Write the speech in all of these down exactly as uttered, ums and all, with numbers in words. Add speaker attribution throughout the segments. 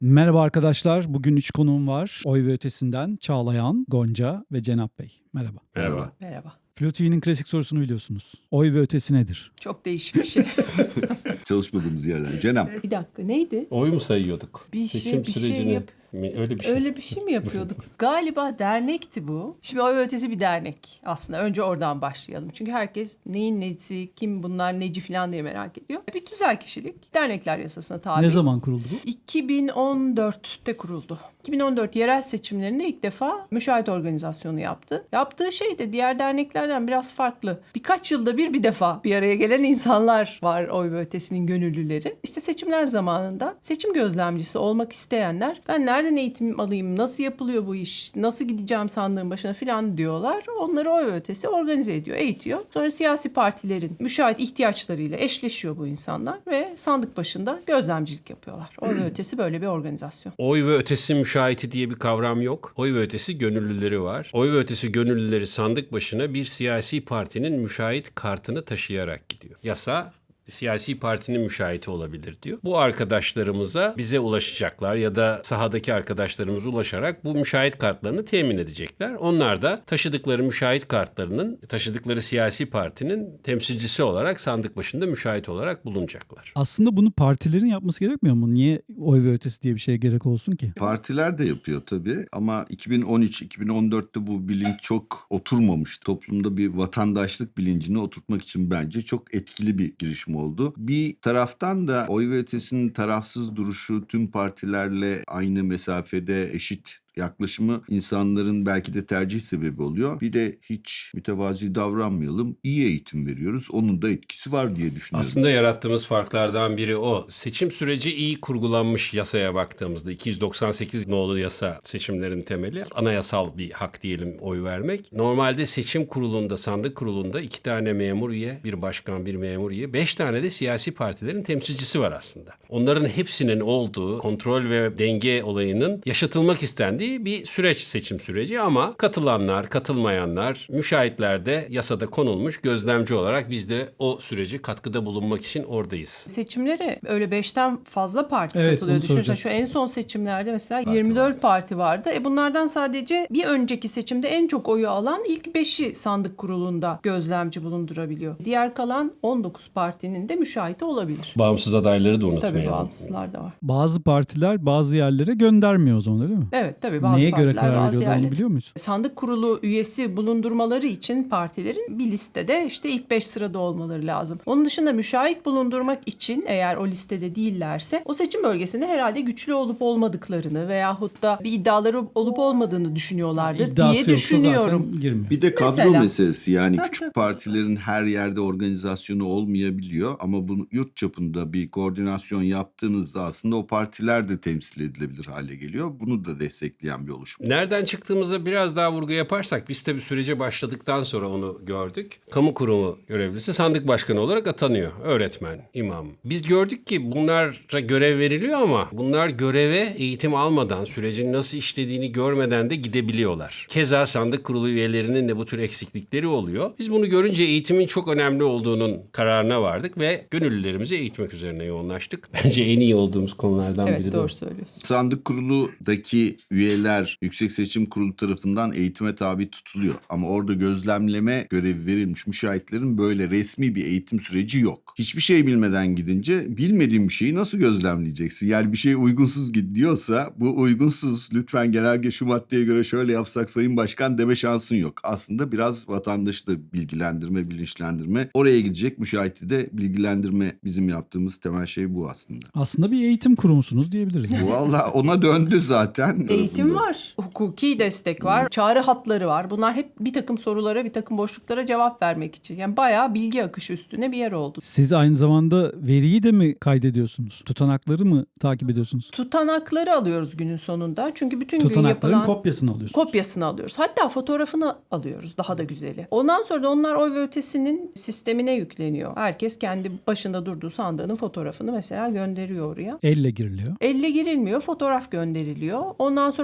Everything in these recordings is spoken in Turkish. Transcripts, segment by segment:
Speaker 1: Merhaba arkadaşlar. Bugün üç konuğum var. Oy ve Ötesi'nden Çağlayan, Gonca ve Cenap Bey. Merhaba.
Speaker 2: Merhaba.
Speaker 3: Merhaba.
Speaker 1: Flu T V'nin klasik sorusunu biliyorsunuz. Oy ve Ötesi nedir?
Speaker 3: Çok değişik bir şey.
Speaker 2: Çalışmadığımız yerden. Cenap.
Speaker 3: Bir dakika neydi?
Speaker 4: Oy mu sayıyorduk?
Speaker 3: Bir şey-
Speaker 4: Seçim
Speaker 3: bir şey
Speaker 4: sürecini
Speaker 3: yap-
Speaker 4: mi? Öyle bir şey.
Speaker 3: Öyle bir şey mi yapıyorduk? Galiba dernekti bu. Şimdi Oy ve Ötesi bir dernek aslında. Önce oradan başlayalım. Çünkü herkes neyin nesi, kim bunlar neci falan diye merak ediyor. Bir tüzel kişilik. Dernekler yasasına tabi.
Speaker 1: Ne zaman kuruldu bu?
Speaker 3: iki bin on dörtte kuruldu. iki bin on dört yerel seçimlerinde ilk defa müşahit organizasyonu yaptı. Yaptığı şey de diğer derneklerden biraz farklı. Birkaç yılda bir bir defa bir araya gelen insanlar var Oy ve Ötesi'nin gönüllüleri. İşte seçimler zamanında seçim gözlemcisi olmak isteyenler ben nereden eğitim alayım, nasıl yapılıyor bu iş, nasıl gideceğim sandığın başına falan diyorlar. Onları Oy ve Ötesi organize ediyor, eğitiyor. Sonra siyasi partilerin müşahit ihtiyaçlarıyla eşleşiyor bu insanlar ve sandık başında gözlemcilik yapıyorlar. Oy ve Ötesi böyle bir organizasyon.
Speaker 4: Oy ve ötesi müşahiti diye bir kavram yok. Oy ve ötesi gönüllüleri var. Oy ve ötesi gönüllüleri sandık başına bir siyasi partinin müşahit kartını taşıyarak gidiyor. Yasa siyasi partinin müşahiti olabilir diyor. Bu arkadaşlarımıza bize ulaşacaklar ya da sahadaki arkadaşlarımız ulaşarak bu müşahit kartlarını temin edecekler. Onlar da taşıdıkları müşahit kartlarının, taşıdıkları siyasi partinin temsilcisi olarak sandık başında müşahit olarak bulunacaklar.
Speaker 1: Aslında bunu partilerin yapması gerekmiyor mu? Niye Oy ve Ötesi diye bir şeye gerek olsun ki?
Speaker 2: Partiler de yapıyor tabii ama iki bin on üç iki bin on dörtte bu bilinç çok oturmamış. Toplumda bir vatandaşlık bilincini oturtmak için bence çok etkili bir girişim oldu. Bir taraftan da Oy ve Ötesi'nin tarafsız duruşu, tüm partilerle aynı mesafede eşit yaklaşımı insanların belki de tercih sebebi oluyor. Bir de hiç mütevazi davranmayalım. İyi eğitim veriyoruz. Onun da etkisi var diye düşünüyorum.
Speaker 4: Aslında yarattığımız farklardan biri o. Seçim süreci iyi kurgulanmış yasaya baktığımızda iki yüz doksan sekiz nolu yasa seçimlerin temeli. Anayasal bir hak diyelim oy vermek. Normalde seçim kurulunda, sandık kurulunda iki tane memur üye, bir başkan, bir memur üye, beş tane de siyasi partilerin temsilcisi var aslında. Onların hepsinin olduğu kontrol ve denge olayının yaşatılmak istendiği bir süreç seçim süreci ama katılanlar, katılmayanlar, müşahitler de yasada konulmuş gözlemci olarak biz de o sürece katkıda bulunmak için oradayız.
Speaker 3: Seçimlere öyle beşten fazla parti
Speaker 1: Evet,
Speaker 3: katılıyor.
Speaker 1: onu
Speaker 3: Düşünsene
Speaker 1: soracaktım.
Speaker 3: şu en son seçimlerde mesela yirmi dört parti vardı. E bunlardan sadece bir önceki seçimde en çok oyu alan ilk beşi sandık kurulunda gözlemci bulundurabiliyor. Diğer kalan on dokuz partinin de müşahidi olabilir.
Speaker 4: Bağımsız adayları da
Speaker 3: Tabii
Speaker 4: unutmayalım.
Speaker 3: bağımsızlar da var.
Speaker 1: Bazı partiler bazı yerlere göndermiyor o zaman öyle mi?
Speaker 3: Evet tabii bazı
Speaker 1: Neye göre
Speaker 3: partiler
Speaker 1: karar
Speaker 3: bazı
Speaker 1: veriyorlar onu
Speaker 3: yerleri.
Speaker 1: biliyor muyuz?
Speaker 3: Sandık kurulu üyesi bulundurmaları için partilerin bir listede işte ilk beş sırada olmaları lazım. Onun dışında müşahit bulundurmak için eğer o listede değillerse o seçim bölgesinde herhalde güçlü olup olmadıklarını veyahut da bir iddiaları olup olmadığını düşünüyorlardır
Speaker 1: İddiası
Speaker 3: diye
Speaker 1: yoksa
Speaker 3: düşünüyorum.
Speaker 1: zaten girmiyor.
Speaker 2: Bir de kadro
Speaker 3: Mesela.
Speaker 2: meselesi yani küçük partilerin her yerde organizasyonu olmayabiliyor ama bunu yurt çapında bir koordinasyon yaptığınızda aslında o partiler de temsil edilebilir hale geliyor. Bunu da destekleyen bir oluşum.
Speaker 4: Nereden çıktığımıza biraz daha vurgu yaparsak biz tabii sürece başladıktan sonra onu gördük. Kamu kurumu görevlisi sandık başkanı olarak atanıyor. Öğretmen, imam. Biz gördük ki bunlara görev veriliyor ama bunlar göreve eğitim almadan, sürecin nasıl işlediğini görmeden de gidebiliyorlar. Keza sandık kurulu üyelerinin de bu tür eksiklikleri oluyor. Biz bunu görünce eğitimin çok önemli olduğunun kararına vardık ve gönüllülerimizi eğitmek üzerine yoğunlaştık. Bence en iyi olduğumuz konulardan biri
Speaker 3: Evet
Speaker 4: de
Speaker 3: doğru
Speaker 4: o.
Speaker 3: söylüyorsun.
Speaker 2: Sandık kuruludaki üyeler Yüksek Seçim Kurulu tarafından eğitime tabi tutuluyor. Ama orada gözlemleme görevi verilmiş müşahitlerin böyle resmi bir eğitim süreci yok. Hiçbir şey bilmeden gidince bilmediğin bir şeyi nasıl gözlemleyeceksin? Yani bir şey uygunsuz gidiyorsa bu uygunsuz lütfen genelge şu maddeye göre şöyle yapsak Sayın Başkan deme şansın yok. Aslında biraz vatandaşı da bilgilendirme, bilinçlendirme. Oraya gidecek müşahiti de bilgilendirme bizim yaptığımız temel şey bu aslında.
Speaker 1: Aslında bir eğitim kurumusunuz diyebiliriz.
Speaker 2: Valla ona döndü zaten.
Speaker 3: Eğitim
Speaker 2: tarafında.
Speaker 3: var, hukuki destek var, çağrı hatları var. Bunlar hep bir takım sorulara, bir takım boşluklara cevap vermek için. Yani bayağı bilgi akışı üstüne bir yer oldu.
Speaker 1: Siz aynı zamanda veriyi de mi kaydediyorsunuz? Tutanakları mı takip ediyorsunuz?
Speaker 3: Tutanakları alıyoruz günün sonunda. Çünkü bütün gün
Speaker 1: Tutanakların
Speaker 3: yapılan
Speaker 1: kopyasını alıyorsunuz.
Speaker 3: kopyasını alıyoruz. Hatta fotoğrafını alıyoruz. Daha da güzeli. Ondan sonra da onlar Oy ve Ötesi'nin sistemine yükleniyor. Herkes kendi başında durduğu sandığının fotoğrafını mesela gönderiyor oraya.
Speaker 1: Elle giriliyor.
Speaker 3: Elle girilmiyor, fotoğraf gönderiliyor. Ondan sonra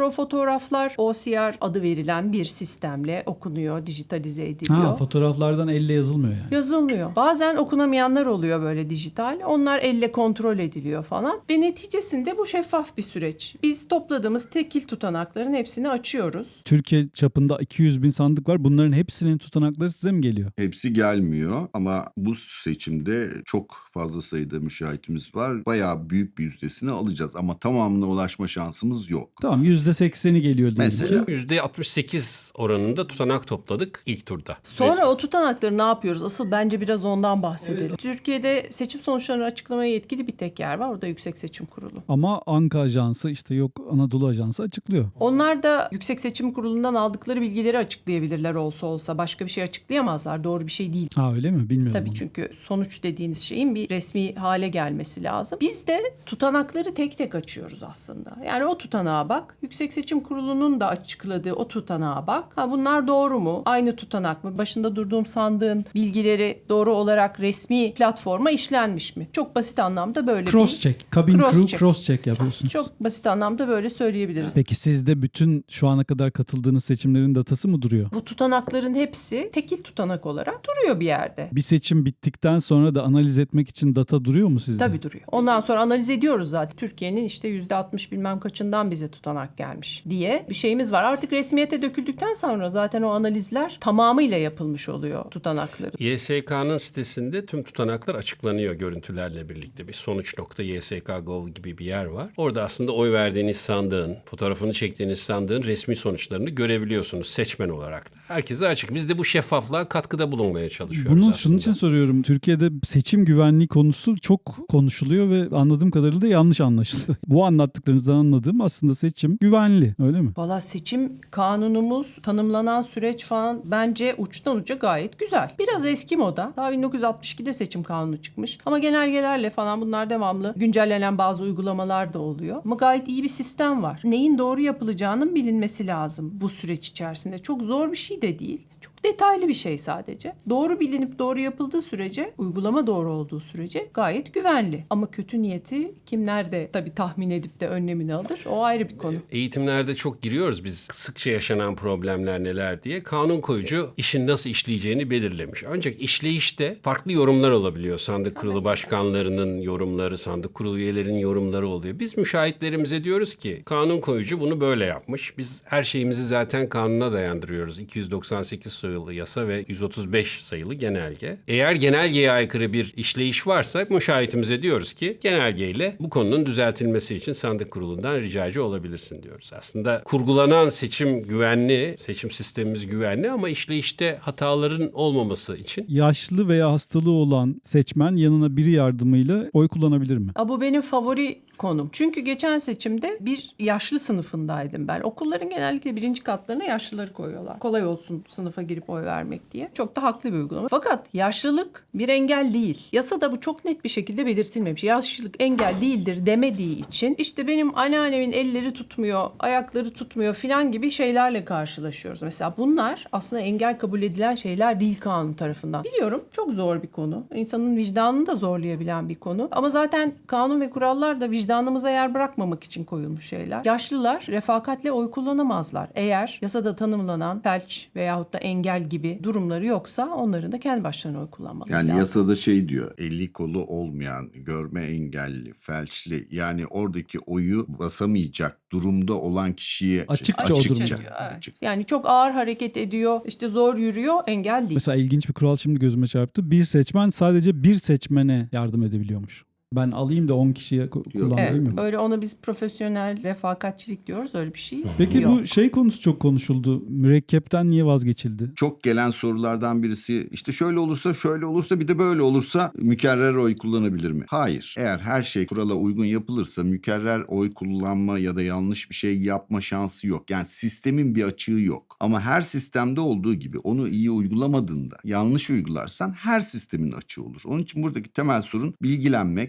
Speaker 3: o fotoğraflar O C R adı verilen bir sistemle okunuyor, dijitalize ediliyor.
Speaker 1: Ha, fotoğraflardan elle yazılmıyor yani.
Speaker 3: Yazılmıyor. Bazen okunamayanlar oluyor böyle dijital. Onlar elle kontrol ediliyor falan. Ve neticesinde bu şeffaf bir süreç. Biz topladığımız tekil tutanakların hepsini açıyoruz.
Speaker 1: Türkiye çapında iki yüz bin sandık var. Bunların hepsinin tutanakları size mi geliyor?
Speaker 2: Hepsi gelmiyor ama bu seçimde çok fazla sayıda müşahitimiz var. Bayağı büyük bir yüzdesini alacağız ama tamamına ulaşma şansımız yok.
Speaker 1: Tamam, yüzde sekseni geliyor diyelim
Speaker 2: Mesela.
Speaker 1: ki.
Speaker 4: yüzde altmış sekiz oranında tutanak topladık ilk turda.
Speaker 3: Sonra o tutanakları ne yapıyoruz? Asıl bence biraz ondan bahsedelim. Türkiye'de seçim sonuçlarını açıklamaya yetkili bir tek yer var. O da Yüksek Seçim Kurulu.
Speaker 1: Ama Anka Ajansı, işte yok Anadolu Ajansı açıklıyor.
Speaker 3: Onlar da Yüksek Seçim Kurulu'ndan aldıkları bilgileri açıklayabilirler olsa olsa. Başka bir şey açıklayamazlar. Doğru bir şey değil.
Speaker 1: Ha, öyle mi? Bilmiyorum.
Speaker 3: Tabii
Speaker 1: onu.
Speaker 3: çünkü sonuç dediğiniz şeyin bir resmi hale gelmesi lazım. Biz de tutanakları tek tek açıyoruz aslında. Yani o tutanağa bak. Yüksek Seçim Kurulu'nun da açıkladığı o tutanağa bak. Ha, bunlar doğru mu? Aynı tutanak mı? Başında durduğum sandığın bilgileri doğru olarak resmi platforma işlenmiş mi? Çok basit anlamda böyle
Speaker 1: Cross
Speaker 3: bir...
Speaker 1: check. Kabin
Speaker 3: Cross
Speaker 1: crew
Speaker 3: check.
Speaker 1: cross check yapıyorsunuz.
Speaker 3: Çok basit anlamda böyle söyleyebiliriz.
Speaker 1: Peki sizde bütün şu ana kadar katıldığınız seçimlerin datası mı duruyor?
Speaker 3: Bu tutanakların hepsi tekil tutanak olarak duruyor bir yerde.
Speaker 1: Bir seçim bittikten sonra da analiz etmek için data duruyor mu sizde?
Speaker 3: Tabii duruyor. Ondan sonra analiz ediyoruz zaten. Türkiye'nin işte yüzde altmış bilmem kaçından bize tutanak gelmiş diye bir şeyimiz var. Artık resmiyete döküldükten sonra zaten o analizler tamamıyla yapılmış oluyor tutanakların.
Speaker 4: Y S K'nın sitesinde tüm tutanaklar açıklanıyor görüntülerle birlikte. Bir sonuç nokta y s k nokta gov gibi bir yer var. Orada aslında oy verdiğiniz sandığın, fotoğrafını çektiğiniz sandığın resmi sonuçlarını görebiliyorsunuz seçmen olarak da. Herkese açık. Biz de bu şeffaflığa katkıda bulunmaya çalışıyoruz
Speaker 1: Bunu
Speaker 4: aslında.
Speaker 1: şunun için soruyorum. Türkiye'de seçim güvenliği konusu çok konuşuluyor ve anladığım kadarıyla da yanlış anlaşılıyor. Bu anlattıklarınızdan anladığım aslında seçim güvenli, öyle mi?
Speaker 3: Valla seçim kanunumuz, tanımlanan süreç falan bence uçtan uca gayet güzel. Biraz eski moda. Daha bin dokuz yüz altmış ikide seçim kanunu çıkmış. Ama genelgelerle falan bunlar devamlı güncellenen bazı uygulamalar da oluyor. Ama gayet iyi bir sistem var. Neyin doğru yapılacağının bilinmesi lazım bu süreç içerisinde. Çok zor bir şey de değil. Çok detaylı bir şey sadece. Doğru bilinip doğru yapıldığı sürece, uygulama doğru olduğu sürece gayet güvenli. Ama kötü niyeti kim nerede tabii tahmin edip de önlemini alır, o ayrı bir konu.
Speaker 4: Eğitimlerde çok giriyoruz biz sıkça yaşanan problemler neler diye. Kanun koyucu işin nasıl işleyeceğini belirlemiş. Ancak işleyişte farklı yorumlar olabiliyor. Sandık kurulu başkanlarının yorumları, sandık kurulu üyelerinin yorumları oluyor. Biz müşahitlerimize diyoruz ki kanun koyucu bunu böyle yapmış. Biz her şeyimizi zaten kanuna dayandırıyoruz. iki yüz doksan sekiz sayılı yasa ve yüz otuz beş sayılı genelge. Eğer genelgeye aykırı bir işleyiş varsa müşahitimize diyoruz ki genelgeyle bu konunun düzeltilmesi için sandık kurulundan ricacı olabilirsin diyoruz. Aslında kurgulanan seçim güvenli, seçim sistemimiz güvenli ama işleyişte hataların olmaması için.
Speaker 1: Yaşlı veya hastalığı olan seçmen yanına biri yardımıyla oy kullanabilir mi?
Speaker 3: Aa, bu benim favori konum. Çünkü geçen seçimde bir yaşlı sınıfındaydım ben. Okulların genellikle birinci katlarına yaşlıları koyuyorlar. Kolay olsun sınıfa girip oy vermek diye. Çok da haklı bir uygulama. Fakat yaşlılık bir engel değil. Yasada bu çok net bir şekilde belirtilmemiş. Yaşlılık engel değildir demediği için işte benim anneannemin elleri tutmuyor, ayakları tutmuyor filan gibi şeylerle karşılaşıyoruz. Mesela bunlar aslında engel kabul edilen şeyler değil kanun tarafından. Biliyorum çok zor bir konu. İnsanın vicdanını da zorlayabilen bir konu. Ama zaten kanun ve kurallar da vicdanımıza yer bırakmamak için koyulmuş şeyler. Yaşlılar refakatle oy kullanamazlar. Eğer yasada tanımlanan felç veyahut da engel gibi durumları yoksa onların da kendi başlarına oy kullanmaları
Speaker 2: Yani
Speaker 3: lazım.
Speaker 2: yasada şey diyor, eli kolu olmayan, görme engelli, felçli, yani oradaki oyu basamayacak durumda olan kişiye
Speaker 1: Açıkça o durumda.
Speaker 3: diyor, evet. Yani çok ağır hareket ediyor, işte zor yürüyor, engel değil.
Speaker 1: Mesela ilginç bir kural şimdi gözüme çarptı. Bir seçmen sadece bir seçmene yardım edebiliyormuş. Ben alayım da on kişiye ku- kullandırayım
Speaker 3: Evet,
Speaker 1: mı?
Speaker 3: öyle ona biz profesyonel refakatçilik diyoruz, öyle bir şey
Speaker 1: Peki
Speaker 3: yok.
Speaker 1: bu şey konusu çok konuşuldu. Mürekkepten niye vazgeçildi?
Speaker 2: Çok gelen sorulardan birisi işte şöyle olursa şöyle olursa bir de böyle olursa mükerrer oy kullanabilir mi? Hayır. Eğer her şey kurala uygun yapılırsa mükerrer oy kullanma ya da yanlış bir şey yapma şansı yok. Yani sistemin bir açığı yok. Ama her sistemde olduğu gibi onu iyi uygulamadığında yanlış uygularsan her sistemin açığı olur. Onun için buradaki temel sorun bilgilenmek,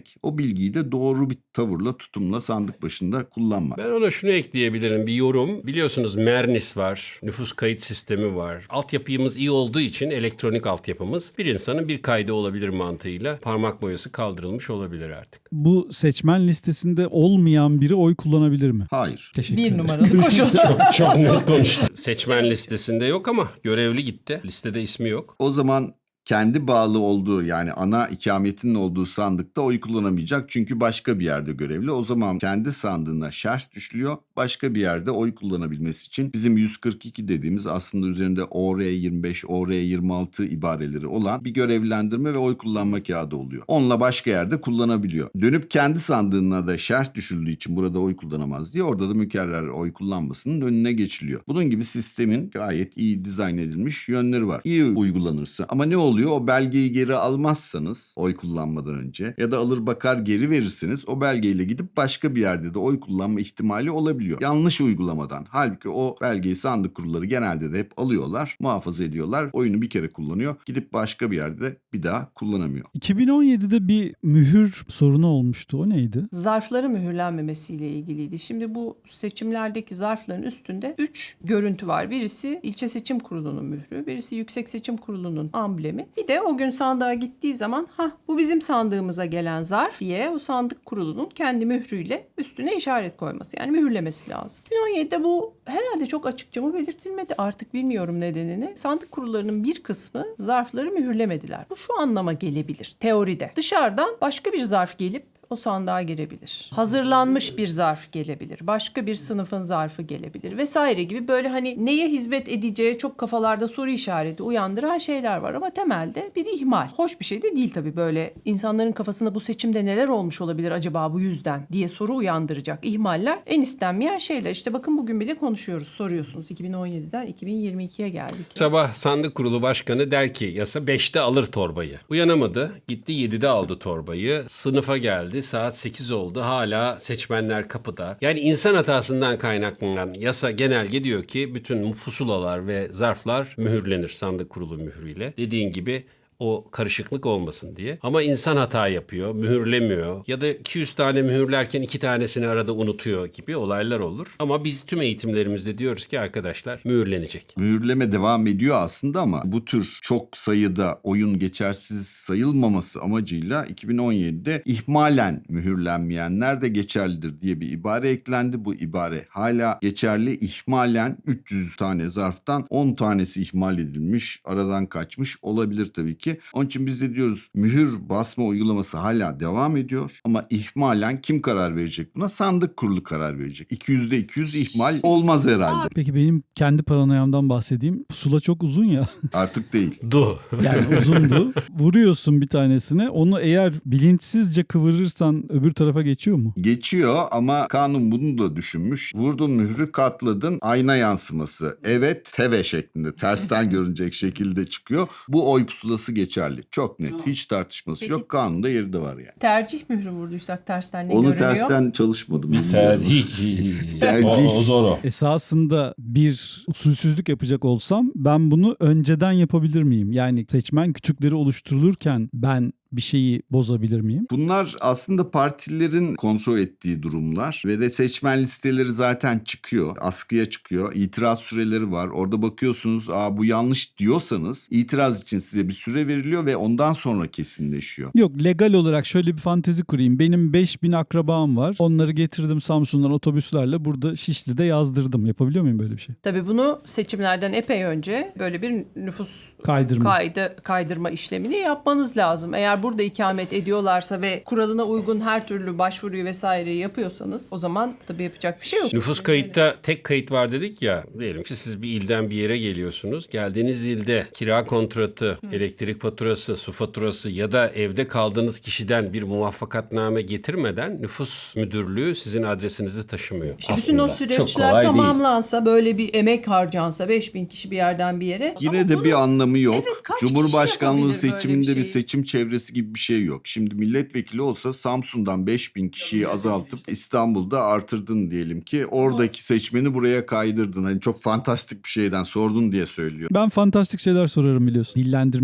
Speaker 2: bilmek, o bilgiyi de doğru bir tavırla, tutumla sandık başında kullanmak.
Speaker 4: Ben ona şunu ekleyebilirim, bir yorum. Biliyorsunuz Mernis var, nüfus kayıt sistemi var. Altyapımız iyi olduğu için elektronik altyapımız bir insanın bir kaydı olabilir mantığıyla parmak boyası kaldırılmış olabilir artık.
Speaker 1: Bu seçmen listesinde olmayan biri oy kullanabilir mi?
Speaker 2: Hayır.
Speaker 1: Teşekkür
Speaker 3: Bir
Speaker 1: ederim.
Speaker 3: numaralı koşul.
Speaker 4: Çok net konuştu. Seçmen listesinde yok ama görevli gitti. Listede ismi yok.
Speaker 2: O zaman kendi bağlı olduğu, yani ana ikametinin olduğu sandıkta oy kullanamayacak. Çünkü başka bir yerde görevli. O zaman kendi sandığına şerh düşülüyor. Başka bir yerde oy kullanabilmesi için bizim yüz kırk iki dediğimiz, aslında üzerinde O R yirmi beş, O R yirmi altı ibareleri olan bir görevlendirme ve oy kullanma kağıdı oluyor. Onunla başka yerde kullanabiliyor. Dönüp kendi sandığına da şerh düşüldüğü için burada oy kullanamaz diye orada da mükerrer oy kullanmasının önüne geçiliyor. Bunun gibi sistemin gayet iyi dizayn edilmiş yönleri var. İyi uygulanırsa. Ama ne oluyor? O belgeyi geri almazsanız oy kullanmadan önce ya da alır bakar geri verirseniz o belgeyle gidip başka bir yerde de oy kullanma ihtimali olabiliyor. Yanlış uygulamadan. Halbuki o belgeyi sandık kurulları genelde de hep alıyorlar, muhafaza ediyorlar. Oyunu bir kere kullanıyor. Gidip başka bir yerde bir daha kullanamıyor.
Speaker 1: iki bin on yedide bir mühür sorunu olmuştu. O neydi?
Speaker 3: Zarfları mühürlenmemesiyle ilgiliydi. Şimdi bu seçimlerdeki zarfların üstünde üç görüntü var. Birisi ilçe seçim kurulunun mührü, birisi yüksek seçim kurulunun amblemi. Bir de o gün sandığa gittiği zaman ha bu bizim sandığımıza gelen zarf diye o sandık kurulunun kendi mührüyle üstüne işaret koyması. Yani mühürlemesi lazım. iki bin on yedide bu herhalde çok açıkça mı belirtilmedi, artık bilmiyorum nedenini. Sandık kurullarının bir kısmı zarfları mühürlemediler. Bu şu anlama gelebilir teoride. Dışarıdan başka bir zarf gelip o sandığa girebilir. Hazırlanmış bir zarf gelebilir. Başka bir sınıfın zarfı gelebilir vesaire gibi, böyle hani neye hizmet edeceği çok kafalarda soru işareti uyandıran şeyler var ama temelde bir ihmal. Hoş bir şey de değil tabii, böyle insanların kafasında bu seçimde neler olmuş olabilir acaba bu yüzden diye soru uyandıracak ihmaller en istenmeyen şeyler. İşte bakın bugün bile konuşuyoruz, soruyorsunuz. iki bin on yediden iki bin yirmi ikiye geldik.
Speaker 4: Sabah sandık kurulu başkanı der ki yasa beşte alır torbayı. Uyanamadı. Gitti yedide aldı torbayı. Sınıfa geldi. Saat sekiz oldu. Hala seçmenler kapıda. Yani insan hatasından kaynaklanan yasa genelge diyor ki bütün pusulalar ve zarflar mühürlenir sandık kurulu mührüyle. Dediğin gibi o karışıklık olmasın diye. Ama insan hata yapıyor, mühürlemiyor ya da iki yüz tane mühürlerken iki tanesini arada unutuyor gibi olaylar olur. Ama biz tüm eğitimlerimizde diyoruz ki arkadaşlar mühürlenecek.
Speaker 2: Mühürleme devam ediyor aslında ama bu tür çok sayıda oyun geçersiz sayılmaması amacıyla iki bin on yedide ihmalen mühürlenmeyenler de geçerlidir diye bir ibare eklendi. Bu ibare hala geçerli. İhmalen üç yüz tane zarftan on tanesi ihmal edilmiş, aradan kaçmış olabilir tabii ki. Onun için biz de diyoruz mühür basma uygulaması hala devam ediyor ama ihmalen kim karar verecek buna? Sandık kurulu karar verecek. iki yüzde iki yüz ihmal olmaz herhalde.
Speaker 1: Peki benim kendi paranoyamdan bahsedeyim. Pusula çok uzun ya.
Speaker 2: Artık değil.
Speaker 4: Du.
Speaker 1: Yani uzundu. Vuruyorsun bir tanesine. Onu eğer bilinçsizce kıvırırsan öbür tarafa geçiyor mu?
Speaker 2: Geçiyor ama kanun bunu da düşünmüş. Vurdun mührü, katladın, ayna yansıması. Evet, teve şeklinde tersten görünecek şekilde çıkıyor. Bu oy pusulası geçerli. Çok net. Hiç tartışması
Speaker 3: Peki.
Speaker 2: yok. Kanunda yeri de var yani.
Speaker 3: Tercih mührü vurduysak tersten ne
Speaker 2: Onu
Speaker 3: görünüyor?
Speaker 2: tersten çalışmadım.
Speaker 4: Tercih.
Speaker 2: Tercih.
Speaker 4: O, o zor o.
Speaker 1: Esasında bir usulsüzlük yapacak olsam ben bunu önceden yapabilir miyim? Yani seçmen kütükleri oluşturulurken ben bir şeyi bozabilir miyim?
Speaker 2: Bunlar aslında partilerin kontrol ettiği durumlar ve de seçmen listeleri zaten çıkıyor. Askıya çıkıyor. İtiraz süreleri var. Orada bakıyorsunuz, aa bu yanlış diyorsanız itiraz için size bir süre veriliyor ve ondan sonra kesinleşiyor.
Speaker 1: Yok, legal olarak şöyle bir fantezi kurayım. Benim beş bin akrabam var. Onları getirdim Samsun'dan otobüslerle, burada Şişli'de yazdırdım. Yapabiliyor muyum böyle bir şey?
Speaker 3: Tabii bunu seçimlerden epey önce böyle bir nüfus
Speaker 1: Kaydırma.
Speaker 3: kaydı kaydırma işlemini yapmanız lazım. Eğer burada ikamet ediyorlarsa ve kuralına uygun her türlü başvuruyu vesaireyi yapıyorsanız o zaman tabii yapacak bir şey yok.
Speaker 4: Nüfus kayıtta tek kayıt var dedik ya. Diyelim ki siz bir ilden bir yere geliyorsunuz. Geldiğiniz ilde kira kontratı, elektrik faturası, su faturası ya da evde kaldığınız kişiden bir muvaffakatname getirmeden nüfus müdürlüğü sizin adresinizi taşımıyor.
Speaker 3: İşte bütün o
Speaker 4: Aslında çok
Speaker 3: süreçler
Speaker 4: kolay değil.
Speaker 3: tamamlansa, böyle bir emek harcansa beş bin kişi bir yerden bir yere.
Speaker 2: Yine
Speaker 3: Ama
Speaker 2: de
Speaker 3: bunu-
Speaker 2: bir anlamı yok.
Speaker 3: Evet, kaç kişi
Speaker 2: Cumhurbaşkanlığı
Speaker 3: yapabilir böyle
Speaker 2: seçiminde
Speaker 3: bir
Speaker 2: bir,
Speaker 3: şeyi?
Speaker 2: seçim çevresi gibi bir şey yok. Şimdi milletvekili olsa Samsun'dan beş bin kişiyi azaltıp İstanbul'da artırdın diyelim ki. Oradaki seçmeni buraya kaydırdın. Hani çok fantastik bir şeyden sordun diye söylüyor.
Speaker 1: Ben fantastik şeyler sorarım biliyorsun. Dillendirmek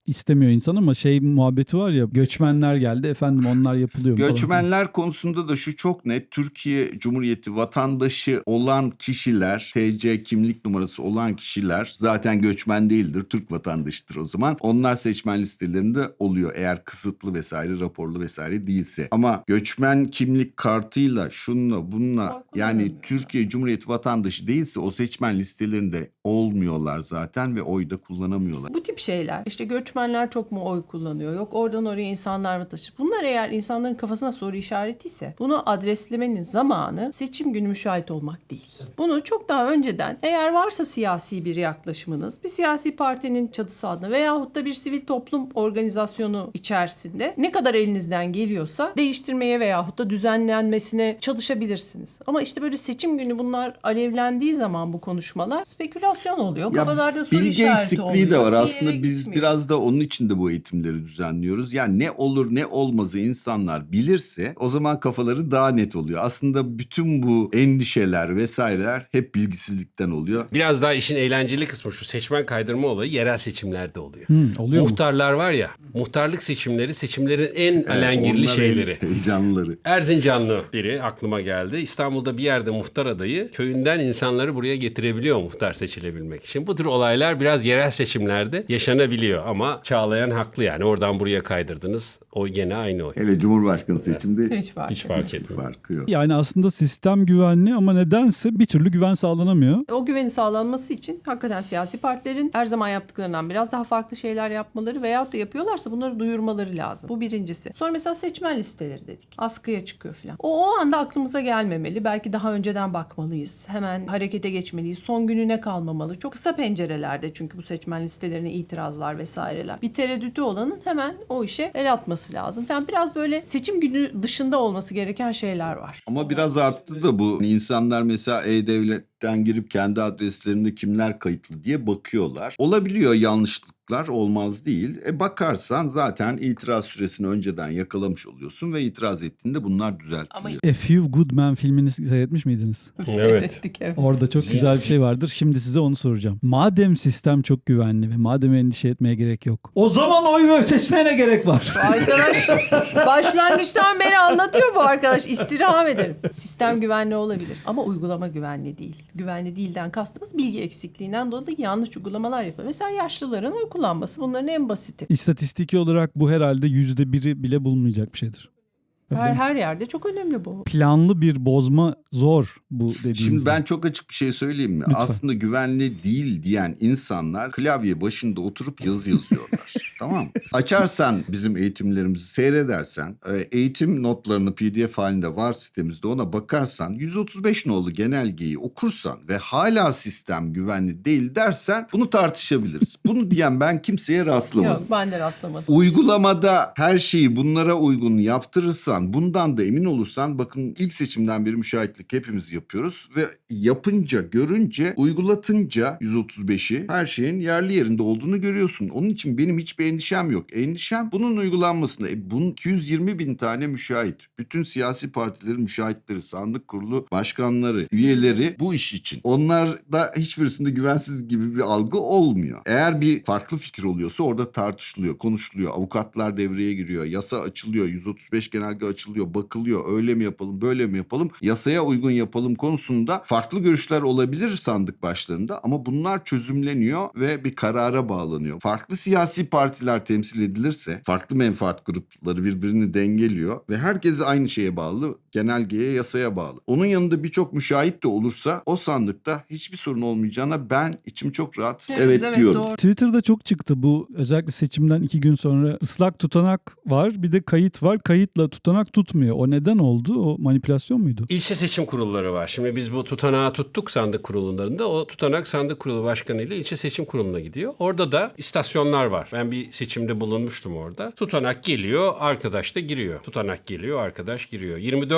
Speaker 1: istemiyor insan ama şey muhabbeti var ya, göçmenler geldi efendim onlar yapılıyor mu falan.
Speaker 2: Göçmenler konusunda da şu çok net. Türkiye Cumhuriyeti vatandaşı olan kişiler, T C kimlik numarası olan kişiler zaten göçmen değildir. Türk vatandaşıdır o zaman. Onlar seçmen listelerinde oluyor eğer kısıtlı vesaire, raporlu vesaire değilse. Ama göçmen kimlik kartıyla şununla bununla yani Türkiye Cumhuriyeti vatandaşı değilse o seçmen listelerinde olmuyorlar zaten ve oy da kullanamıyorlar.
Speaker 3: Bu tip şeyler işte göçmenler çok mu oy kullanıyor, yok oradan oraya insanlar mı taşır? Bunlar eğer insanların kafasına soru işaretiyse bunu adreslemenin zamanı seçim günü müşahit olmak değil. Bunu çok daha önceden eğer varsa siyasi bir yaklaşımınız bir siyasi partinin çatısı altında veyahut da bir sivil toplum organizasyonu içerisinde ne kadar elinizden geliyorsa değiştirmeye veyahut da düzenlenmesine çalışabilirsiniz. Ama işte böyle seçim günü bunlar alevlendiği zaman bu konuşmalar spekülasyon oluyor.
Speaker 2: Ya
Speaker 3: Kafalarda soru
Speaker 2: bilgi
Speaker 3: işareti
Speaker 2: eksikliği de
Speaker 3: oluyor.
Speaker 2: var.
Speaker 3: Bir yere
Speaker 2: Aslında biz
Speaker 3: gitmiyor.
Speaker 2: biraz da onun için de bu eğitimleri düzenliyoruz. Yani ne olur ne olmazı insanlar bilirse o zaman kafaları daha net oluyor. Aslında bütün bu endişeler vesaireler hep bilgisizlikten oluyor.
Speaker 4: Biraz daha işin eğlenceli kısmı şu seçmen kaydırma olayı yerel seçimlerde oluyor.
Speaker 1: Hmm, oluyor mu?
Speaker 4: Muhtarlar var ya, muhtarlık seçimleri seçimlerin en
Speaker 2: Evet,
Speaker 4: alengirli
Speaker 2: onlar en
Speaker 4: şeyleri.
Speaker 2: heyecanlıları.
Speaker 4: Erzincanlı biri aklıma geldi. İstanbul'da bir yerde muhtar adayı köyünden insanları buraya getirebiliyor muhtar seçilebilmek için. Bu tür olaylar biraz yerel seçimlerde yaşanabiliyor ama Çağlayan haklı yani oradan buraya kaydırdınız. Oy gene aynı oy.
Speaker 2: Hele Cumhurbaşkanı seçimde
Speaker 3: Hiç fark
Speaker 4: Hiç
Speaker 3: etmez.
Speaker 4: fark etmiyor.
Speaker 2: farkı yok.
Speaker 1: Yani aslında sistem güvenli ama nedense bir türlü güven sağlanamıyor.
Speaker 3: O güvenin sağlanması için hakikaten siyasi partilerin her zaman yaptıklarından biraz daha farklı şeyler yapmaları veyahut da yapıyorlarsa bunları duyurmaları lazım. Bu birincisi. Sonra mesela seçmen listeleri dedik. Askıya çıkıyor falan. O, o anda aklımıza gelmemeli. Belki daha önceden bakmalıyız. Hemen harekete geçmeliyiz. Son gününe kalmamalı. Çok kısa pencerelerde çünkü bu seçmen listelerine itirazlar vesaireler. Bir tereddütü olanın hemen o işe el atması lazım. Yani biraz böyle seçim günü dışında olması gereken şeyler var.
Speaker 2: Ama biraz arttı da bu. İnsanlar mesela E-Devlet'ten girip kendi adreslerinde kimler kayıtlı diye bakıyorlar. Olabiliyor yanlışlıklar, olmaz değil. E bakarsan zaten itiraz süresini önceden yakalamış oluyorsun ve itiraz ettiğinde bunlar düzeltiliyor.
Speaker 1: A Few Good Men filmini seyretmiş miydiniz?
Speaker 3: Seyrettik, evet.
Speaker 1: Orada çok güzel bir şey vardır. Şimdi size onu soracağım. Madem sistem çok güvenli ve madem endişe etmeye gerek yok, o zaman oy ve ötesine ne gerek var?
Speaker 3: Arkadaş başlangıçtan beri anlatıyor bu arkadaş. İstirham ederim. Sistem güvenli olabilir ama uygulama güvenli değil. Güvenli değilden kastımız bilgi eksikliğinden dolayı yanlış uygulamalar yapıyor. Mesela yaşlıların oy kullanması bunların en basiti.
Speaker 1: İstatistiki olarak bu herhalde yüzde biri bile bulunmayacak bir şeydir. Öyle
Speaker 3: Her
Speaker 1: mi?
Speaker 3: her yerde çok önemli bu.
Speaker 1: Planlı bir bozma zor bu dediğinizde.
Speaker 2: Şimdi ben çok açık bir şey söyleyeyim mi?
Speaker 1: Lütfen.
Speaker 2: Aslında güvenli değil diyen insanlar klavye başında oturup yazı yazıyorlar. Tamam mı? Açarsan bizim eğitimlerimizi seyredersen, eğitim notlarını P D F halinde var sitemizde ona bakarsan, yüz otuz beş nolu genelgeyi okursan ve hala sistem güvenli değil dersen bunu tartışabiliriz. Bunu diyen ben kimseye rastlamadım.
Speaker 3: Yok, ben de rastlamadım.
Speaker 2: Uygulamada her şeyi bunlara uygun yaptırırsan, bundan da emin olursan, bakın ilk seçimden beri müşahitlik hepimiz yapıyoruz ve yapınca, görünce, uygulatınca yüz otuz beşi her şeyin yerli yerinde olduğunu görüyorsun. Onun için benim hiçbir endişem yok. Endişem bunun uygulanmasında. E, bunun iki yüz yirmi bin tane müşahit, bütün siyasi partilerin müşahitleri, sandık kurulu başkanları, üyeleri bu iş için. Onlarda hiçbirisinde güvensiz gibi bir algı olmuyor. Eğer bir farklı fikir oluyorsa orada tartışılıyor, konuşuluyor. Avukatlar devreye giriyor, yasa açılıyor, yüz otuz beş genelge açılıyor, bakılıyor. Öyle mi yapalım, böyle mi yapalım, yasaya uygun yapalım konusunda farklı görüşler olabilir sandık başlarında ama bunlar çözümleniyor ve bir karara bağlanıyor. Farklı siyasi partiler temsil edilirse farklı menfaat grupları birbirini dengeliyor ve herkes aynı şeye bağlı, genelgeye, yasaya bağlı. Onun yanında birçok müşahit de olursa o sandıkta hiçbir sorun olmayacağına ben içim çok rahat evet,
Speaker 3: Evet, evet,
Speaker 2: diyorum.
Speaker 3: doğru.
Speaker 1: Twitter'da çok çıktı bu, özellikle seçimden iki gün sonra ıslak tutanak var, bir de kayıt var. Kayıtla tutanak tutmuyor. O neden oldu? O manipülasyon muydu?
Speaker 4: İlçe seçim kurulları var. Şimdi biz bu tutanağı tuttuk sandık kurullarında. O tutanak sandık kurulu başkanı ile ilçe seçim kuruluna gidiyor. Orada da istasyonlar var. Ben bir seçimde bulunmuştum orada. Tutanak geliyor, arkadaş da giriyor. Tutanak geliyor, arkadaş giriyor. yirmi dört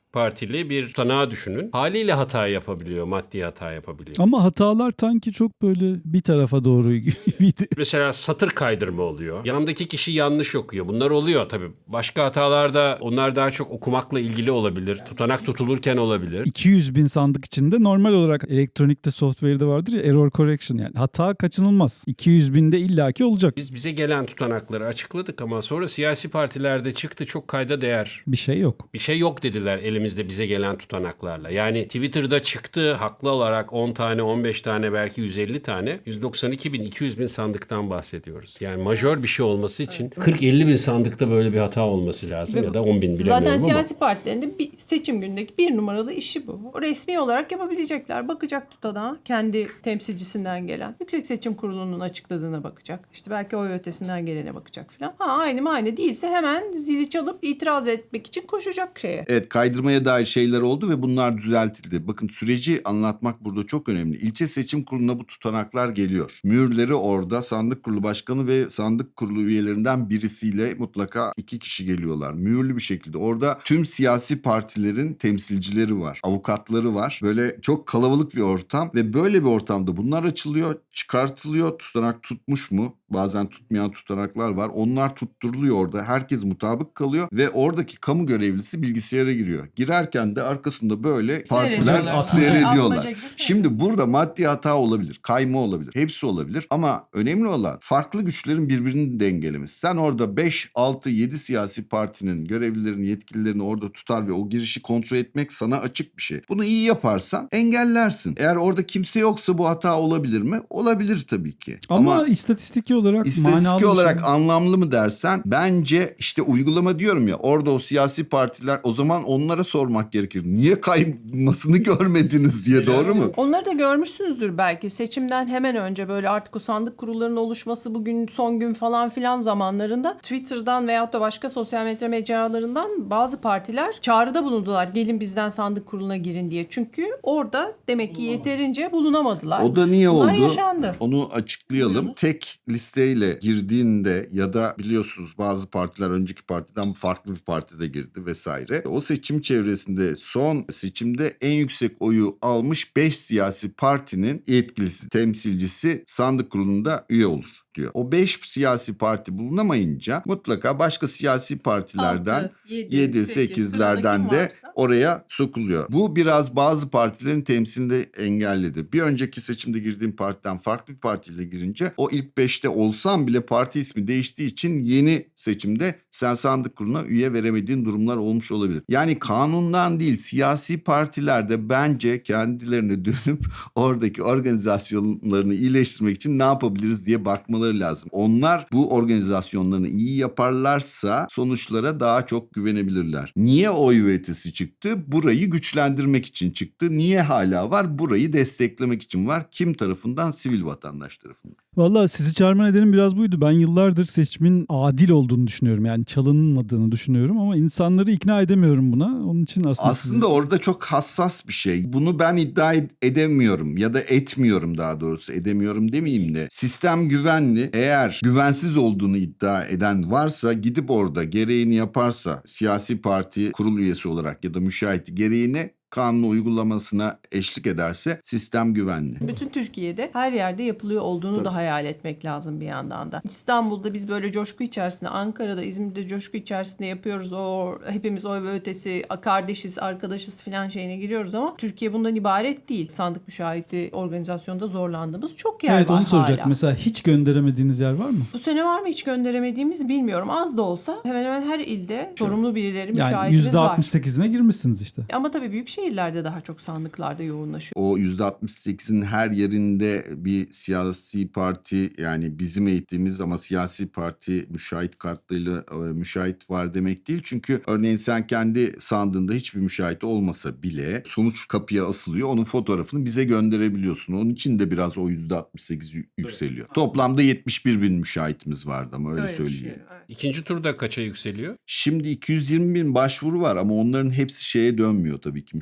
Speaker 4: partili bir tutanağı düşünün. Haliyle hata yapabiliyor, maddi hata yapabiliyor.
Speaker 1: Ama hatalar sanki çok böyle bir tarafa doğru gibiydi.
Speaker 4: Mesela satır kaydırma oluyor. Yandaki kişi yanlış okuyor. Bunlar oluyor tabii. Başka hatalarda onlar daha çok okumakla ilgili olabilir. Tutanak tutulurken olabilir.
Speaker 1: iki yüz bin sandık içinde normal olarak elektronikte software'de vardır ya error correction, yani hata kaçınılmaz. iki yüz binde illaki olacak.
Speaker 4: Biz bize gelen tutanakları açıkladık ama sonra siyasi partilerde çıktı, çok kayda değer.
Speaker 1: Bir şey yok.
Speaker 4: Bir şey yok dediler elimizde bize gelen tutanaklarla. Yani Twitter'da çıktı haklı olarak on tane, on beş tane, belki yüz elli tane. yüz doksan iki bin, iki yüz bin sandıktan bahsediyoruz. Yani majör bir şey olması için kırk elli bin sandıkta böyle bir hata olması lazım.
Speaker 3: Ve
Speaker 4: ya da on bin bilemiyorum
Speaker 3: zaten
Speaker 4: ama.
Speaker 3: siyasi partilerin de bir seçim günündeki bir numaralı işi bu. O resmi olarak yapabilecekler. Bakacak tutanağa, kendi temsilcisinden gelen. Yüksek Seçim Kurulu'nun açıkladığına bakacak. İşte belki oy ötesinden gelene bakacak falan. Ha aynı mı aynı değilse hemen zili çalıp itiraz etmek için koşacak şeye.
Speaker 2: Evet, kaydırmaya dair şeyler oldu ve bunlar düzeltildi. Bakın, süreci anlatmak burada çok önemli. İlçe seçim kuruluna bu tutanaklar geliyor. Mühürleri orada sandık kurulu başkanı ve sandık kurulu üyelerinden birisiyle mutlaka iki kişi geliyorlar. Mühürlü bir şekilde. Orada tüm siyasi partilerin temsilcileri var. Avukatları var. Böyle çok kalabalık bir ortam ve böyle bir ortamda bunlar açılıyor, çıkartılıyor. Tutanak tutmuş mu? Bazen tutmayan tutanaklar var. Onlar tutturuluyor orada. Herkes mutabık kalıyor ve oradaki kamu görevlisi bilgisayara giriyor. Girerken de arkasında böyle partiler
Speaker 3: Seyrediyorlar.
Speaker 2: seyrediyorlar.
Speaker 3: Atmaca gibi
Speaker 2: Şimdi burada maddi hata olabilir, kayma olabilir. Hepsi olabilir ama önemli olan farklı güçlerin birbirini dengelemesi. Sen orada beş, altı, yedi siyasi partinin görevlilerini, yetkililerini orada tutar ve o girişi kontrol etmek sana açık bir şey. Bunu iyi yaparsan engellersin. Eğer orada kimse yoksa bu hata olabilir mi? Olabilir tabii ki.
Speaker 1: Ama,
Speaker 2: Ama
Speaker 1: istatistiki olarak manalı
Speaker 2: İstatistik
Speaker 1: bir
Speaker 2: olarak
Speaker 1: şey.
Speaker 2: anlamlı mı dersen, bence işte uygulama diyorum ya, orada o siyasi partiler, o zaman onlara sormak gerekir. Niye kaymasını görmediniz diye, doğru mu?
Speaker 3: Onları da görmüşsünüzdür belki. Seçimden hemen önce böyle artık o sandık kurullarının oluşması bugün son gün falan filan zamanlarında Twitter'dan veyahut da başka sosyal medya mecralarından bazı partiler çağrıda bulundular. Gelin bizden sandık kuruluna girin diye. Çünkü orada demek ki yeterince bulunamadılar.
Speaker 2: O da niye
Speaker 3: Bunlar
Speaker 2: oldu?
Speaker 3: yaşandı.
Speaker 2: Onu açıklayalım.
Speaker 3: Buyurun.
Speaker 2: Tek listeyle girdiğinde ya da biliyorsunuz bazı partiler önceki partiden farklı bir partide girdi vesaire. O seçim çevresinde son seçimde en yüksek oyu almış beş siyasi partinin yetkilisi, temsilcisi sandık kurulunda üye olur diyor. O beş siyasi parti bulunamayınca mutlaka başka siyasi partilerden
Speaker 3: Altı, yedi,
Speaker 2: yedi
Speaker 3: sekiz,
Speaker 2: sekizlerden
Speaker 3: sırada
Speaker 2: de
Speaker 3: kim varsa.
Speaker 2: oraya sokuluyor. Bu biraz bazı partilerin temsilini engelledi. Bir önceki seçimde girdiğim partiden farklı bir partiyle girince o ilk beşte olsam bile parti ismi değiştiği için yeni seçimde sen sandık kuruluna üye veremediğin durumlar olmuş olabilir. Yani kanundan değil, siyasi partiler de bence kendilerine dönüp oradaki organizasyonlarını iyileştirmek için ne yapabiliriz diye bakmaları lazım. Onlar bu organizasyonlarını iyi yaparlarsa sonuçlara daha çok güvenebilirler. Niye oy üretisi çıktı? Burayı güçlendirmek için çıktı. Niye hala var? Burayı desteklemek için var. Kim tarafından? Sivil vatandaş tarafından.
Speaker 1: Valla sizi çağırma nedenim biraz buydu. Ben yıllardır seçimin adil olduğunu düşünüyorum. Yani çalınmadığını düşünüyorum ama insanları ikna edemiyorum buna. Onun için aslında...
Speaker 2: Aslında
Speaker 1: sizi...
Speaker 2: orada çok hassas bir şey. Bunu ben iddia ed- edemiyorum ya da etmiyorum, daha doğrusu edemiyorum demeyeyim de. Sistem güvenli. Eğer güvensiz olduğunu iddia eden varsa gidip orada gereğini yaparsa, siyasi parti kurul üyesi olarak ya da müşahit gereğini kanunu uygulamasına eşlik ederse sistem güvenli.
Speaker 3: Bütün Türkiye'de her yerde yapılıyor olduğunu
Speaker 2: Tabii.
Speaker 3: da hayal etmek lazım bir yandan da. İstanbul'da biz böyle coşku içerisinde, Ankara'da, İzmir'de coşku içerisinde yapıyoruz. O hepimiz oy ve ötesi, kardeşiz, arkadaşız filan şeyine giriyoruz ama Türkiye bundan ibaret değil. Sandık müşahidi organizasyonda zorlandığımız çok yer
Speaker 1: Evet,
Speaker 3: var
Speaker 1: onu soracaktım.
Speaker 3: hala.
Speaker 1: Mesela hiç gönderemediğiniz yer var mı?
Speaker 3: Bu sene var mı hiç gönderemediğimiz bilmiyorum. Az da olsa hemen hemen her ilde sorumlu birileri,
Speaker 1: Yani
Speaker 3: müşahitimiz
Speaker 1: yüzde
Speaker 3: var.
Speaker 1: altmış sekizine girmişsiniz işte.
Speaker 3: Ama tabii büyük şehirlerde daha çok sandıklarda yoğunlaşıyor.
Speaker 2: O yüzde altmış sekizin her yerinde bir siyasi parti, yani bizim eğittiğimiz ama siyasi parti müşahit kartlarıyla e, müşahit var demek değil. Çünkü örneğin sen kendi sandığında hiçbir müşahit olmasa bile sonuç kapıya asılıyor. Onun fotoğrafını bize gönderebiliyorsun. Onun için de biraz o yüzde altmış sekiz yü- yükseliyor. Toplamda yetmiş bir bin müşahitimiz vardı ama öyle
Speaker 3: Öyle bir şey,
Speaker 2: söyleyelim.
Speaker 3: evet.
Speaker 4: İkinci turda kaça yükseliyor?
Speaker 2: Şimdi iki yüz yirmi bin başvuru var ama onların hepsi şeye dönmüyor tabii ki, müşahit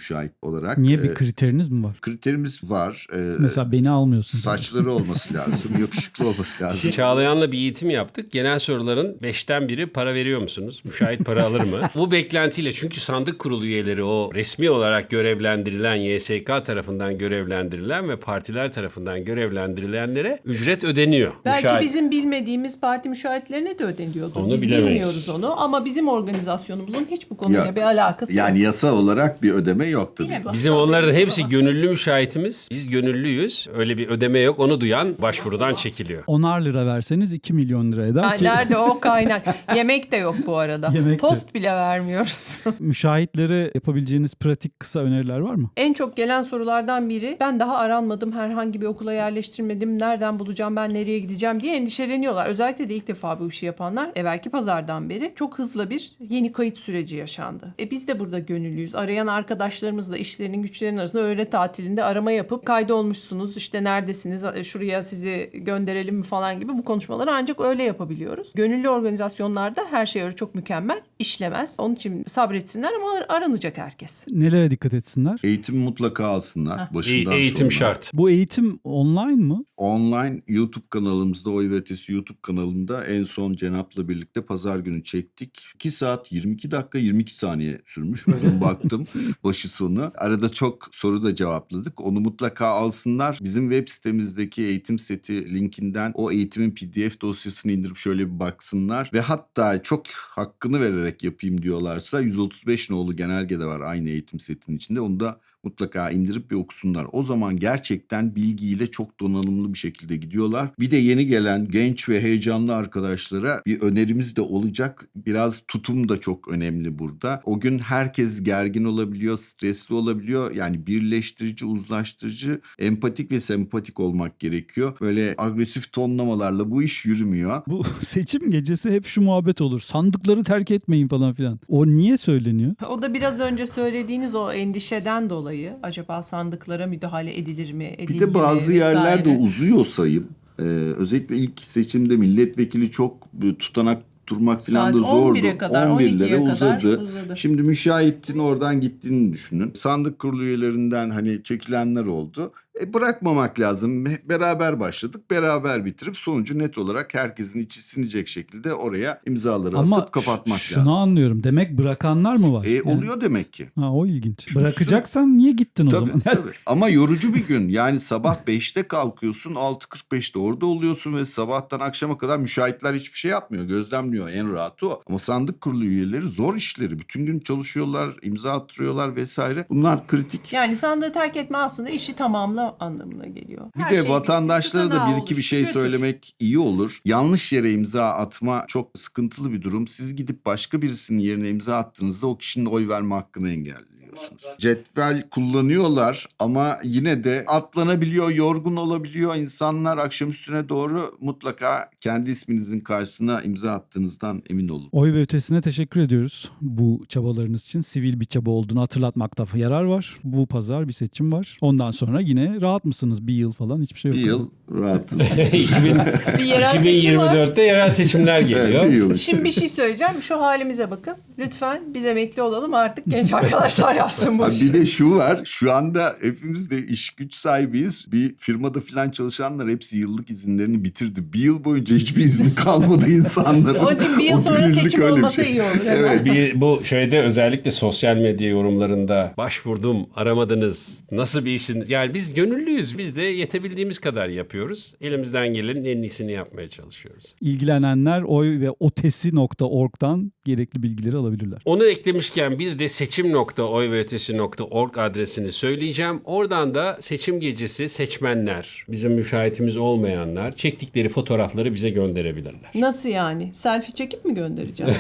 Speaker 2: müşahit olarak.
Speaker 1: Niye bir
Speaker 2: Ee,
Speaker 1: kriteriniz mi var?
Speaker 2: kriterimiz var. Ee,
Speaker 1: Mesela beni almıyorsun.
Speaker 2: saçları olması lazım, yakışıklı olması lazım.
Speaker 4: Çağlayan'la bir eğitim yaptık. Genel soruların beşten biri para veriyor musunuz? Müşahit para alır mı? Bu beklentiyle, çünkü sandık kurulu üyeleri o resmi olarak görevlendirilen, Y S K tarafından görevlendirilen ve partiler tarafından görevlendirilenlere ücret ödeniyor.
Speaker 3: Belki
Speaker 4: Müşahit-
Speaker 3: bizim bilmediğimiz parti müşahitlerine de ödeniyordur.
Speaker 4: Onu
Speaker 3: Biz
Speaker 4: bilemeyiz.
Speaker 3: bilmiyoruz onu ama bizim organizasyonumuzun hiç bu konuyla
Speaker 2: Yok.
Speaker 3: bir alakası
Speaker 2: Yani
Speaker 3: yok.
Speaker 2: yasa olarak bir ödeme yok tabii.
Speaker 3: Yine
Speaker 4: Bizim
Speaker 3: baştan
Speaker 4: onların
Speaker 3: belirtiyor
Speaker 4: hepsi
Speaker 3: ama.
Speaker 4: gönüllü müşahitimiz. Biz gönüllüyüz. Öyle bir ödeme yok. Onu duyan başvurudan çekiliyor.
Speaker 1: onar lira verseniz iki milyon lira eder
Speaker 3: Ay,
Speaker 1: ki
Speaker 3: nerede o kaynak? Yemek de yok bu arada.
Speaker 1: Yemek de.
Speaker 3: Tost bile vermiyoruz.
Speaker 1: müşahitlere yapabileceğiniz pratik kısa öneriler var mı?
Speaker 3: En çok gelen sorulardan biri, ben daha aranmadım, herhangi bir okula yerleştirmedim, nereden bulacağım, ben nereye gideceğim diye endişeleniyorlar. Özellikle de ilk defa bu işi yapanlar, evvelki pazardan beri çok hızlı bir yeni kayıt süreci yaşandı. E biz de burada gönüllüyüz. Arayan arkadaşlarımızla işlerinin güçlerinin arasında öğle tatilinde arama yapıp kaydolmuşsunuz, işte neredesiniz, şuraya sizi gönderelim mi falan gibi bu konuşmaları ancak öyle yapabiliyoruz. Gönüllü organizasyonlarda her şey öyle çok mükemmel işlemez. Onun için sabretsinler ama aranacak herkes.
Speaker 1: Nelere dikkat etsinler?
Speaker 2: Eğitim mutlaka alsınlar başından
Speaker 4: E- eğitim
Speaker 2: sonuna.
Speaker 4: şart.
Speaker 1: Bu eğitim online mı?
Speaker 2: Online YouTube kanalımızda, Oy ve Ötesi YouTube kanalında en son Cenap'la birlikte pazar günü çektik. iki saat yirmi iki dakika yirmi iki saniye sürmüş. Bugün baktım başı sonu. Arada çok soru da cevapladık. Onu mutlaka alsınlar. Bizim web sitemizdeki eğitim seti linkinden o eğitimin P D F dosyasını indirip şöyle bir baksınlar. Ve hatta çok hakkını vererek yapayım diyorlarsa yüz otuz beş nolu genelge de var aynı eğitim setinin içinde. Onu da mutlaka indirip bir okusunlar. O zaman gerçekten bilgiyle çok donanımlı bir şekilde gidiyorlar. Bir de yeni gelen genç ve heyecanlı arkadaşlara bir önerimiz de olacak. Biraz tutum da çok önemli burada. O gün herkes gergin olabiliyor, stresli olabiliyor. Yani birleştirici, uzlaştırıcı, empatik ve sempatik olmak gerekiyor. Böyle agresif tonlamalarla bu iş yürümüyor.
Speaker 1: Bu seçim gecesi hep şu muhabbet olur. Sandıkları terk etmeyin falan filan. O niye söyleniyor?
Speaker 3: O da biraz önce söylediğiniz o endişeden dolayı. Acaba sandıklara müdahale edilir mi?
Speaker 2: Bir
Speaker 3: edildi
Speaker 2: de bazı
Speaker 3: mi,
Speaker 2: yerlerde
Speaker 3: vesaire.
Speaker 2: uzuyor sayım. Ee, özellikle ilk seçimde milletvekili çok e, tutanak durmak falan
Speaker 3: Saat
Speaker 2: da zordu.
Speaker 3: on bire kadar,
Speaker 2: on
Speaker 3: on
Speaker 2: birlere
Speaker 3: ikiye kadar
Speaker 2: uzadı.
Speaker 3: uzadı.
Speaker 2: Şimdi müşahitin oradan gittiğini düşünün. Sandık kurulu üyelerinden hani çekilenler oldu. E, bırakmamak lazım. Hep beraber başladık. Beraber bitirip sonucu net olarak herkesin içi sinecek şekilde oraya imzaları
Speaker 1: Ama
Speaker 2: atıp kapatmak
Speaker 1: ş- şunu
Speaker 2: lazım.
Speaker 1: anlıyorum. Demek bırakanlar mı var?
Speaker 2: E,
Speaker 1: Yani-
Speaker 2: oluyor demek ki.
Speaker 1: Ha, o ilginç.
Speaker 2: Çünkü
Speaker 1: Bırakacaksan niye gittin o
Speaker 2: Tabii,
Speaker 1: zaman?
Speaker 2: tabii. Ama yorucu bir gün. Yani sabah beşte kalkıyorsun, altı kırk beşte orada oluyorsun ve sabahtan akşama kadar müşahitler hiçbir şey yapmıyor. Gözlemliyor, en rahatı o. Ama sandık kurulu üyeleri zor işleri. Bütün gün çalışıyorlar, imza attırıyorlar vesaire. Bunlar kritik.
Speaker 3: Yani sandığı terk etme aslında işi tamamla anlamına geliyor.
Speaker 2: Bir
Speaker 3: Her
Speaker 2: de
Speaker 3: şey bitti,
Speaker 2: vatandaşlara da
Speaker 3: tutanağı
Speaker 2: bir iki bir
Speaker 3: oluştu,
Speaker 2: şey
Speaker 3: götür.
Speaker 2: söylemek iyi olur. Yanlış yere imza atma çok sıkıntılı bir durum. Siz gidip başka birisinin yerine imza attığınızda o kişinin oy verme hakkını engelliyorsunuz. Cetvel kullanıyorlar ama yine de atlanabiliyor, yorgun olabiliyor. İnsanlar akşam üstüne doğru mutlaka kendi isminizin karşısına imza attığınızdan emin olun.
Speaker 1: Oy ve Ötesi'ne teşekkür ediyoruz bu çabalarınız için. Sivil bir çaba olduğunu hatırlatmakta yarar var. Bu pazar bir seçim var. Ondan sonra yine rahat mısınız? Bir yıl falan hiçbir şey yok.
Speaker 2: Bir yıl rahatız.
Speaker 4: iki bin
Speaker 3: Bir yerel seçim var.
Speaker 4: iki bin yirmi dörtte yerel seçimler
Speaker 2: Evet,
Speaker 4: geliyor.
Speaker 2: bir yıl.
Speaker 3: Şimdi bir şey söyleyeceğim. Şu halimize bakın. Lütfen biz emekli olalım artık genç arkadaşlar yapsın bu
Speaker 2: Ha,
Speaker 3: işi.
Speaker 2: bir de şu var. Şu anda hepimiz de iş güç sahibiyiz. Bir firmada falan çalışanlar hepsi yıllık izinlerini bitirdi. Bir yıl boyunca hiçbir izni kalmadı insanların.
Speaker 3: Onun için bir yıl
Speaker 2: O
Speaker 3: sonra
Speaker 2: gönüllülük
Speaker 3: seçim
Speaker 2: öyle bir
Speaker 3: olmasa
Speaker 2: şey.
Speaker 3: iyi olur. hemen.
Speaker 2: Evet.
Speaker 4: Bir, bu şeyde özellikle sosyal medya yorumlarında başvurdum, aramadınız, nasıl bir işin... Yani biz gönüllüyüz, biz de yetebildiğimiz kadar yapıyoruz. Elimizden gelenin en iyisini yapmaya çalışıyoruz.
Speaker 1: İlgilenenler oy ve otesi nokta org'dan gerekli bilgileri alabilirler.
Speaker 4: Onu eklemişken bir de seçim nokta oy ve ötesi nokta org adresini söyleyeceğim. Oradan da seçim gecesi seçmenler, bizim müşahitimiz olmayanlar çektikleri fotoğrafları bize gönderebilirler.
Speaker 3: Nasıl yani? Selfie çekip mi göndereceğim?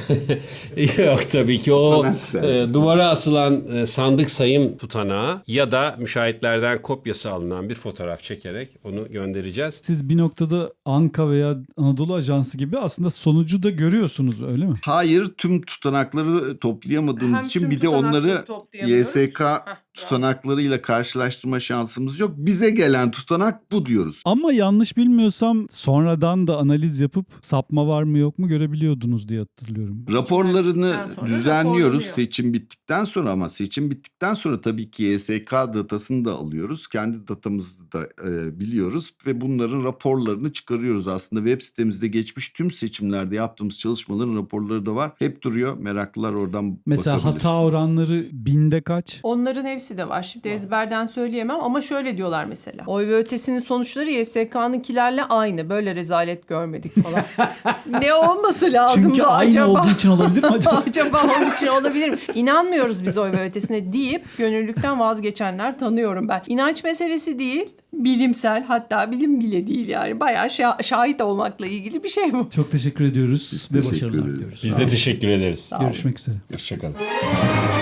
Speaker 4: Yok tabii ki o
Speaker 2: Tutanak sergisi.
Speaker 4: e, duvara asılan e, sandık sayım tutanağı ya da müşahitlerden kopyası alınan bir fotoğraf çekerek onu göndereceğiz.
Speaker 1: Siz bir noktada Anka veya Anadolu Ajansı gibi aslında sonucu da görüyorsunuz, öyle mi?
Speaker 2: Hayır, tüm tutanakları toplayamadığımız
Speaker 3: Hem
Speaker 2: için
Speaker 3: tüm
Speaker 2: bir de
Speaker 3: tutanakları
Speaker 2: onları
Speaker 3: toplayamıyoruz.
Speaker 2: Y S K
Speaker 3: Heh.
Speaker 2: tutanaklarıyla karşılaştırma şansımız yok. Bize gelen tutanak bu diyoruz.
Speaker 1: Ama yanlış bilmiyorsam sonradan da analiz yapıp sapma var mı yok mu görebiliyordunuz diye hatırlıyorum.
Speaker 2: Raporlarını
Speaker 3: Seçim sonra
Speaker 2: düzenliyoruz
Speaker 3: raporlanıyor.
Speaker 2: seçim bittikten sonra, ama seçim bittikten sonra tabii ki Y S K datasını da alıyoruz. Kendi datamızı da e, biliyoruz ve bunların raporlarını çıkarıyoruz. Aslında web sitemizde geçmiş tüm seçimlerde yaptığımız çalışmaların raporları da var. Hep duruyor. Meraklılar oradan
Speaker 1: Mesela
Speaker 2: bakabilir.
Speaker 1: hata oranları binde kaç?
Speaker 3: Onların hepsi de var. Şimdi ezberden söyleyemem ama şöyle diyorlar mesela. Oy ve ötesinin sonuçları Y S K'nınkilerle aynı. Böyle rezalet görmedik falan. Ne olması lazım
Speaker 1: Çünkü
Speaker 3: da
Speaker 1: aynı
Speaker 3: acaba?
Speaker 1: olduğu için olabilir mi acaba?
Speaker 3: Acaba onun için olabilir mi? İnanmıyoruz biz oy ve ötesine deyip gönüllülükten vazgeçenler tanıyorum ben. İnanç meselesi değil, bilimsel, hatta bilim bile değil yani. Bayağı şa- şahit olmakla ilgili bir şey bu.
Speaker 1: Çok teşekkür ediyoruz
Speaker 2: Biz
Speaker 1: ve
Speaker 2: teşekkür
Speaker 1: başarılar
Speaker 2: ederiz.
Speaker 1: diliyoruz.
Speaker 4: Biz de teşekkür ederiz.
Speaker 3: Sağ olun.
Speaker 1: Görüşmek üzere.
Speaker 4: Hoşçakalın.